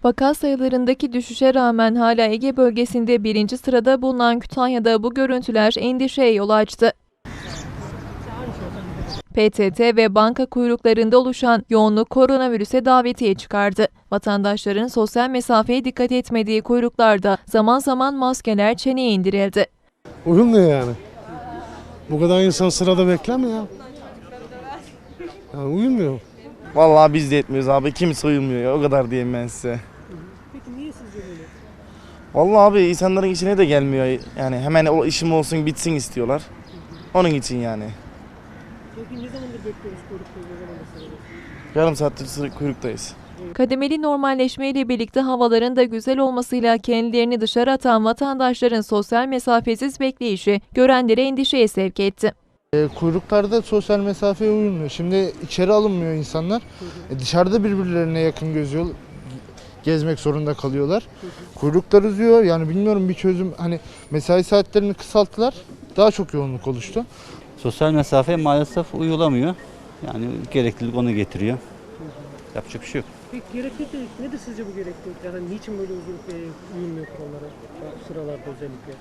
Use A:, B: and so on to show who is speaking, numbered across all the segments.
A: Vaka sayılarındaki düşüşe rağmen hala Ege bölgesinde birinci sırada bulunan Kütahya'da bu görüntüler endişeye yol açtı. PTT ve banka kuyruklarında oluşan yoğunluk koronavirüse davetiye çıkardı. Vatandaşların sosyal mesafeye dikkat etmediği kuyruklarda zaman zaman maskeler çeneye indirildi.
B: Uyumuyor yani. Bu kadar insan sırada beklemiyor ya. Yani uyumuyor.
C: Vallahi biz de etmiyoruz abi. Kimse uyumuyor ya. O kadar diyeyim ben size.
D: Peki niye sizce böyle?
C: Vallahi abi insanların işine de gelmiyor. Yani hemen o işim olsun bitsin istiyorlar. Onun için yani.
D: Peki ne zamandır bekliyoruz kuyrukta? Ne zamandır sırada?
C: Yarım saattir kuyruktayız.
A: Kademeli normalleşmeyle birlikte havaların da güzel olmasıyla kendilerini dışarı atan vatandaşların sosyal mesafesiz bekleyişi görenleri endişeye sevk etti.
E: Kuyruklarda sosyal mesafeye uyulmuyor. Şimdi içeri alınmıyor insanlar. Dışarıda birbirlerine yakın gezmek zorunda kalıyorlar. Kuyruklar uzuyor. Yani bilmiyorum, bir çözüm, hani mesai saatlerini kısalttılar. Daha çok yoğunluk oluştu.
F: Sosyal mesafe maalesef uyulamıyor. Yani gereklilik onu getiriyor. Yapacak bir şey yok.
D: Peki gereklilik nedir sizce bu gereklilik? Yani niçin böyle uzun uyulmuyor kurallara, sıralarda özellikle?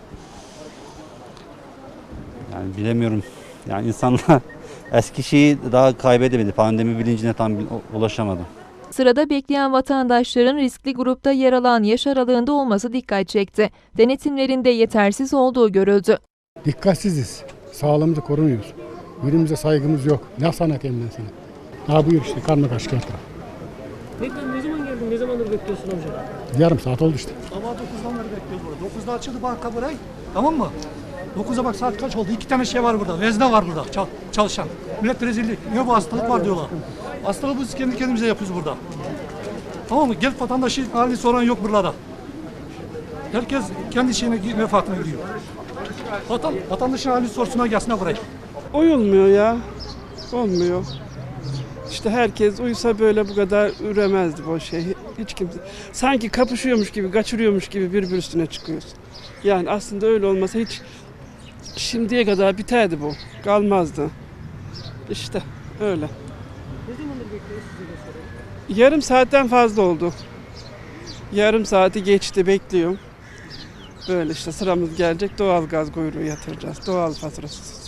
F: Yani bilemiyorum. Yani insanlar eski şeyi daha kaybedemedi. Pandemi bilincine tam ulaşamadı.
A: Sırada bekleyen vatandaşların riskli grupta yer alan yaş aralığında olması dikkat çekti. Denetimlerinde yetersiz olduğu görüldü.
G: Dikkatsiziz. Sağlığımızı korumuyoruz. Birbirimize saygımız yok. Ne sanatayım ben sana? Buyur işte, karnı kaç kağıt.
D: Peki ne zaman geldin? Ne zamandır bekliyorsun amca?
G: Yarım saat oldu işte.
H: Sabah 9'dan beri bekliyoruz burada. 9'da açıldı banka burayı. Tamam mı? 9'a bak, saat kaç oldu? 2 tane şey var burada. Vezne var burada çalışan. Millet rezillik. Ne bu hastalık var diyorlar. Hastalığı biz kendi kendimize yapıyoruz burada. Tamam mı? Gel vatandaşın halini soran yok burada. Herkes kendi şeyine, menfaatine gidiyor. Vatandaşın halini sorsunlar, gelsinler buraya.
I: Uyulmuyor ya. Olmuyor. İşte herkes uysa böyle bu kadar üremezdi bu şey. Hiç kimse. Sanki kapışıyormuş gibi, kaçırıyormuş gibi birbir üstüne çıkıyoruz. Yani aslında öyle olmasa hiç şimdiye kadar biterdi bu. Kalmazdı. İşte öyle.
D: Ne zamandır bekliyoruz sizi de soralım?
I: Yarım saatten fazla oldu. Yarım saati geçti, bekliyorum. Böyle işte sıramız gelecek, doğal gaz kuyruğu yatıracağız. Doğal faturasız.